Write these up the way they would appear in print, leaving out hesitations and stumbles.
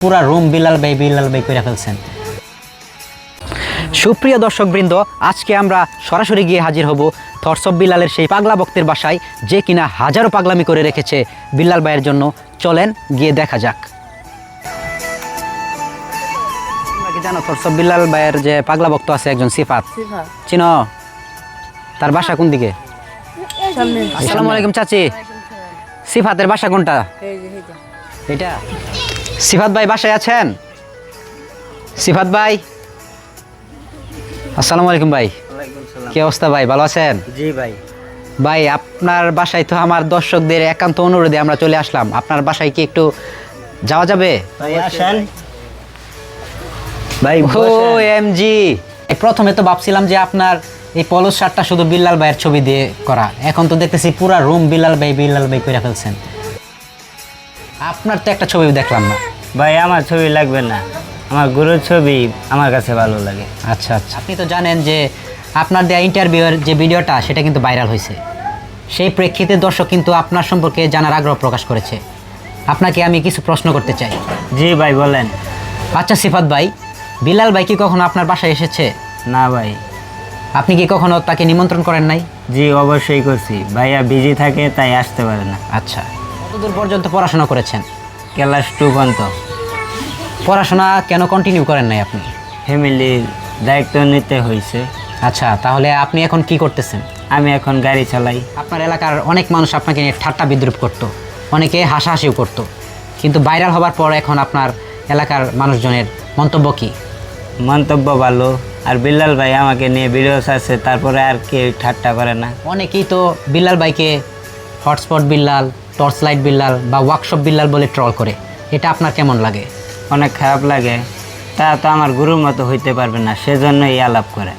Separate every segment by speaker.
Speaker 1: পুরা রুম বিলাল ভাই করে ফেলছেন। সুপ্রিয় দর্শকবৃন্দ, আজকে আমরা সরাসরি গিয়ে হাজির হব থটস অফ বিলালের সেই পাগলা ভক্তের বাসায়, যে কিনা হাজারো পাগলামি করে রেখেছে বিল্লাল ভাইয়ের জন্য। চলেন গিয়ে দেখা যাক। তোমরা কি জানো থটস অফ বিল্লাল ভাইয়ের যে পাগলা ভক্ত আছে একজন সিফাত, চিনো? তার বাসা কোন দিকে? আসসালামু আলাইকুম চাচি। সিফাতের বাসা কোনটা? এটা। সিফাত ভাই বাসায় আছেন? সিফাত ভাই, আসসালামু আলাইকুম ভাই। কি অবস্থা ভাই, ভালো আছেন?
Speaker 2: জি ভাই।
Speaker 1: ভাই আপনার বাসায় তো আমার দর্শকদের একান্ত অনুরোধে আমরা চলে আসলাম, আপনার বাসায় কি একটু যাওয়া যাবে?
Speaker 2: ভাই আসেন ভাই।
Speaker 1: ও এমজি, প্রথমে তো ভাবছিলাম যে আপনার এই পলস শার্টটা শুধু বিল্লাল ভাইয়ের ছবি দিয়ে করা, এখন তো দেখতেছি পুরা রুম বিল্লাল ভাই করে ফেলছেন। আপনার তো একটা ছবি দেখলাম না।
Speaker 2: ভাই আমার ছবি লাগবে না, আমার গুরুর ছবি আমার কাছে ভালো লাগে।
Speaker 1: আচ্ছা আচ্ছা, আপনি তো জানেন যে আপনার দেওয়া ইন্টারভিউয়ের যে ভিডিওটা সেটা কিন্তু ভাইরাল হয়েছে, সেই প্রেক্ষিতে দর্শক কিন্তু আপনার সম্পর্কে জানার আগ্রহ প্রকাশ করেছে। আপনাকে আমি কিছু প্রশ্ন করতে চাই।
Speaker 2: জি ভাই বলেন।
Speaker 1: আচ্ছা সিফাত ভাই, বিলাল ভাই কি কখনো আপনার বাসায় এসেছে?
Speaker 2: না ভাই।
Speaker 1: আপনি কি কখনো তাকে নিমন্ত্রণ করেন নাই?
Speaker 2: জি অবশ্যই করছি, ভাইয়া বিজি থাকে তাই আসতে পারে না।
Speaker 1: আচ্ছা, কতদূর পর্যন্ত পড়াশোনা করেছেন?
Speaker 2: ক্লাস 2 পর্যন্ত।
Speaker 1: পড়াশোনা কেন কন্টিনিউ করেন নাই আপনি?
Speaker 2: ফ্যামিলির দায়িত্ব নিতে হয়েছে।
Speaker 1: আচ্ছা, তাহলে আপনি এখন কি করতেছেন?
Speaker 2: আমি এখন গাড়ি চালাই।
Speaker 1: আপনার এলাকার অনেক মানুষ আপনাকে নিয়ে ঠাট্টা বিদ্রুপ করতো, অনেকে হাসাহাসিও করতো, কিন্তু ভাইরাল হবার পর এখন আপনার এলাকার মানুষজনের মন্তব্য কি?
Speaker 2: মন্তব্য ভালো, আর বিল্লাল ভাই আমাকে নিয়ে ভিডিও আছে, তারপরে আর কেউ ঠাট্টা করে না।
Speaker 1: অনেকেই তো বিল্লাল ভাইকে hotspot Billal, torch light Billal বা ওয়ার্কশপ বিল্লাল বলে ট্রল করে, এটা আপনার কেমন লাগে?
Speaker 2: অনেক খারাপ লাগে, তা তো আমার গুরুর মতো হইতে পারবে না, সেজন্যই আলাপ করে।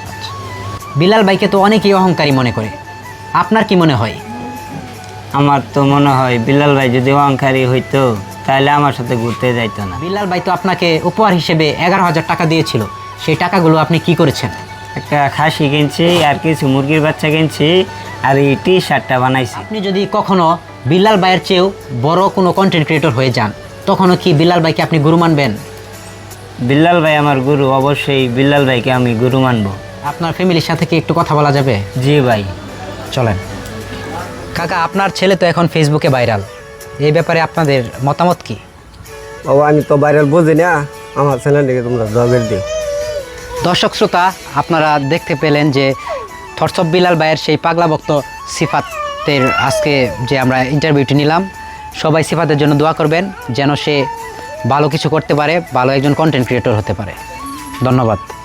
Speaker 1: বিল্লাল ভাইকে তো অনেকেই অহংকারী মনে করে, আপনার কি মনে হয়?
Speaker 2: আমার তো মনে হয় বিল্লাল ভাই যদি অহংকারী হইতো তাহলে আমার সাথে ঘুরতে যাইতো না।
Speaker 1: বিল্লাল ভাই তো আপনাকে উপহার হিসেবে 11,000 টাকা দিয়েছিল, সেই টাকাগুলো আপনি কি করেছেন?
Speaker 2: একটা খাসি কিনছি, আর কিছু মুরগির বাচ্চা কিনছি, আর এই টি শার্টটা বানাইছি।
Speaker 1: আপনি যদি কখনো বিল্লাল ভাইয়ের চেয়েও বড় কোনো কন্টেন্ট ক্রিয়েটর হয়ে যান, তখনও কি বিল্লাল ভাইকে আপনি গুরু মানবেন?
Speaker 2: বিল্লাল ভাই আমার গুরু, অবশ্যই বিল্লাল ভাইকে আমি গুরু মানব।
Speaker 1: আপনার ফ্যামিলির সাথে কি একটু কথা বলা যাবে?
Speaker 2: জি ভাই।
Speaker 1: চলেন। কাকা, আপনার ছেলে তো এখন ফেসবুকে ভাইরাল, এই ব্যাপারে আপনাদের মতামত কি?
Speaker 3: বাবা আমি তো ভাইরাল বুঝি না, আমার চ্যানেলটিকে তোমরা জবের দিও।
Speaker 1: দর্শক শ্রোতা, আপনারা দেখতে পেলেন যে থটস অফ বিল্লাল ভাইয়ের সেই পাগলা ভক্ত সিফাতের আজকে যে আমরা ইন্টারভিউটি নিলাম। সবাই সিফাতের জন্য দোয়া করবেন যেন সে ভালো কিছু করতে পারে, ভালো একজন কন্টেন্ট ক্রিয়েটর হতে পারে। ধন্যবাদ।